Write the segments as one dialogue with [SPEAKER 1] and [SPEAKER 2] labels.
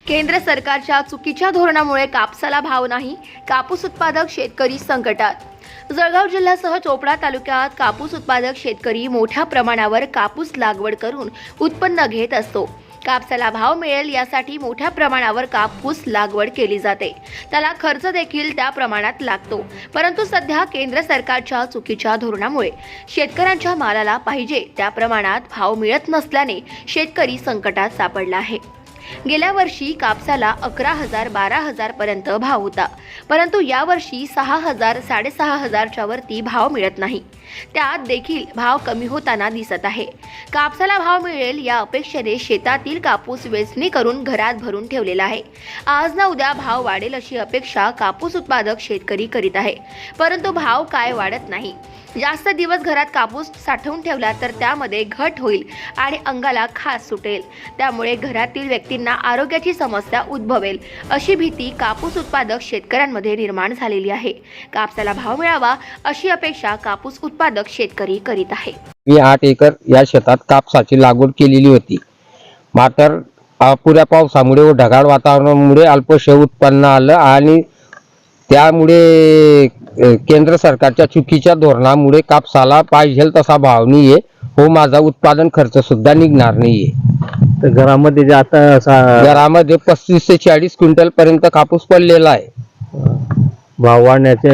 [SPEAKER 1] केंद्र सरकारच्या चुकीच्या धोरणामुळे कापसाला भाव नाही, कापूस उत्पादक शेतकरी संकटात. जळगाव जिल्ह्यासह चोपडा तालुक्यात कापूस उत्पादक शेतकरी मोठ्या प्रमाणावर कापूस लागवड करून उत्पन्न घेत असतो. कापसाला भाव मिळेल यासाठी मोठ्या प्रमाणावर कापूस लागवड केली जाते. त्याला खर्च देखील त्या प्रमाणात लागतो. परंतु सध्या केंद्र सरकारच्या चुकीच्या धोरणामुळे शेतकऱ्यांच्या मालाला पाहिजे त्या प्रमाणात भाव मिळत नसल्याने शेतकरी संकटात सापडला आहे. गेल्या वर्षी कापसाला 11,000 12,000 पर्यंत भाव होता, परंतु यावर्षी 6,000 6,500च्या वरती भाव मिळत नाही. त्यात देखील भाव कमी होताना दिसत आहे. कापसाला भाव मिळेल या अपेक्षेने शेतातील कापूस वेचणी करून घरात भरून ठेवलेला आहे. आज ना उद्या भाव वाढेल अशी अपेक्षा कापूस उत्पादक शेतकरी करीत आहे, परंतु भाव काय वाढत नाही. जास्त दिवस घरात कापूस साठवून ठेवला तर त्यामध्ये घट होईल आणि अंगाला खास सुटेल. त्यामुळे घरातील व्यक्तींना आरोग्याची समस्या उद्भवेल अशी भीती कापूस उत्पादक शेतकऱ्यांमध्ये निर्माण झालेली आहे. कापसाला भाव मिळावा अशी अपेक्षा कापूस उत्पादक शेतकरी करीत आहे.
[SPEAKER 2] मी 8 एकर या शेतात कापसाची लागवड केलेली होती. मात्र अपुऱ्या पावसामुळे व ढगाळ वातावरणामुळे अल्पशे उत्पन्न आलं आणि त्यामुळे केंद्र सरकारच्या चुकीच्या धोरणामुळे कापसाला पाहिजे तसा भाव नाहीये हो, माझा उत्पादन खर्च सुद्धा निघणार नाहीये.
[SPEAKER 3] तर घरामध्ये जे आता
[SPEAKER 2] घरामध्ये 35 ते 40 क्विंटल पर्यंत कापूस पडलेला आहे.
[SPEAKER 3] भाव वाढण्याचे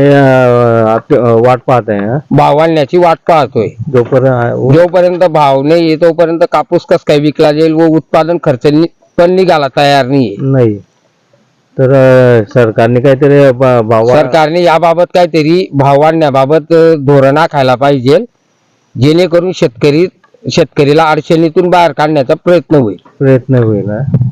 [SPEAKER 3] वाट पाहत आहे.
[SPEAKER 2] भाव वाढण्याची वाट पाहतोय. जोपर्यंत भाव नाही तोपर्यंत कापूस कस काय विकला जाईल व उत्पादन खर्च पण निघाला तयार नाही.
[SPEAKER 3] तर सरकारने काहीतरी
[SPEAKER 2] सरकारने याबाबत काहीतरी भाव वाढण्याबाबत धोरण आखायला पाहिजे, जेणेकरून शेतकरीला अडचणीतून बाहेर काढण्याचा प्रयत्न होईल.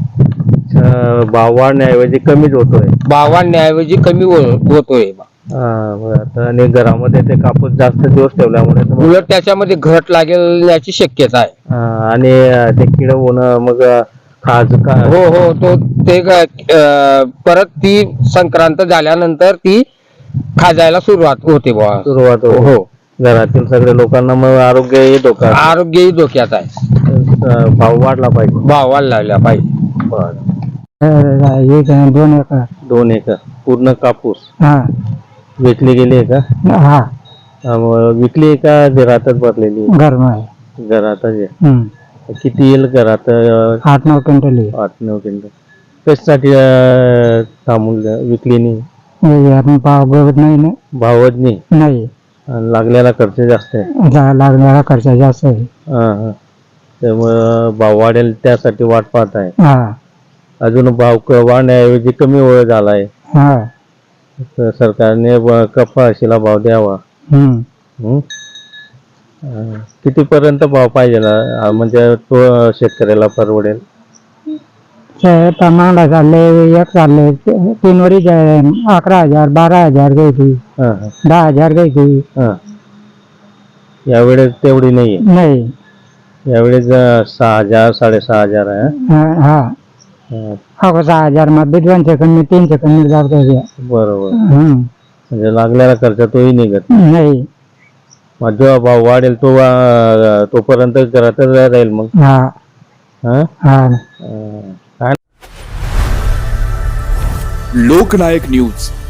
[SPEAKER 3] भाव वाढण्याऐवजी कमीच होतोय.
[SPEAKER 2] भाव वाढण्याऐवजी कमी होतोय.
[SPEAKER 3] आणि घरामध्ये ते कापूस जास्त दिवस ठेवल्यामुळे
[SPEAKER 2] उलट त्याच्यामध्ये घट लागेल याची शक्यता आहे.
[SPEAKER 3] आणि ते किड होणं मग
[SPEAKER 2] हो तो ते परत ती संक्रांत झाल्यानंतर ती खाजायला सुरुवात होते. हो,
[SPEAKER 3] घरातील सगळ्या लोकांना मग आरोग्यही
[SPEAKER 2] धोक्यात आहे.
[SPEAKER 3] भाव वाढला
[SPEAKER 2] पाहिजे.
[SPEAKER 3] 2 एकर पूर्ण कापूस विकली गेली आहे का? विकली का घरातच भरलेली? घरातच आहे. किती येईल घरात?
[SPEAKER 4] 8-9 क्विंटल.
[SPEAKER 3] 8-9 क्विंटल. कशासाठी थांबून विकली
[SPEAKER 4] नाही? भावच नाही.
[SPEAKER 3] लागलेला खर्च जास्त आहे. त्यामुळे भाव वाढेल त्यासाठी वाट पाहत आहे. अजून भाव वाढण्याऐवजी कमी झालाय. सरकारने कपाशीला भाव द्यावा. किती पर्यंत भाव पाहिजे म्हणजे तो शेतकऱ्याला परवडेल?
[SPEAKER 4] चांगला चाललंय. एक चाललंय 3 वरी 11,000 12,000 घ्यायची, 10,000 घ्यायची.
[SPEAKER 3] यावेळेस तेवढी
[SPEAKER 4] नाही.
[SPEAKER 3] यावेळेस 6,000 6,500 आहे.
[SPEAKER 4] 6,000 मध्ये 2 सेकंद 3 सेकंद जात.
[SPEAKER 3] बरोबर. म्हणजे लागलेला खर्च तोही निघत
[SPEAKER 4] नाही.
[SPEAKER 3] जेव्हा भाव वाढेल तोपर्यंत घरातच राहील. मग
[SPEAKER 5] लोकनायक न्यूज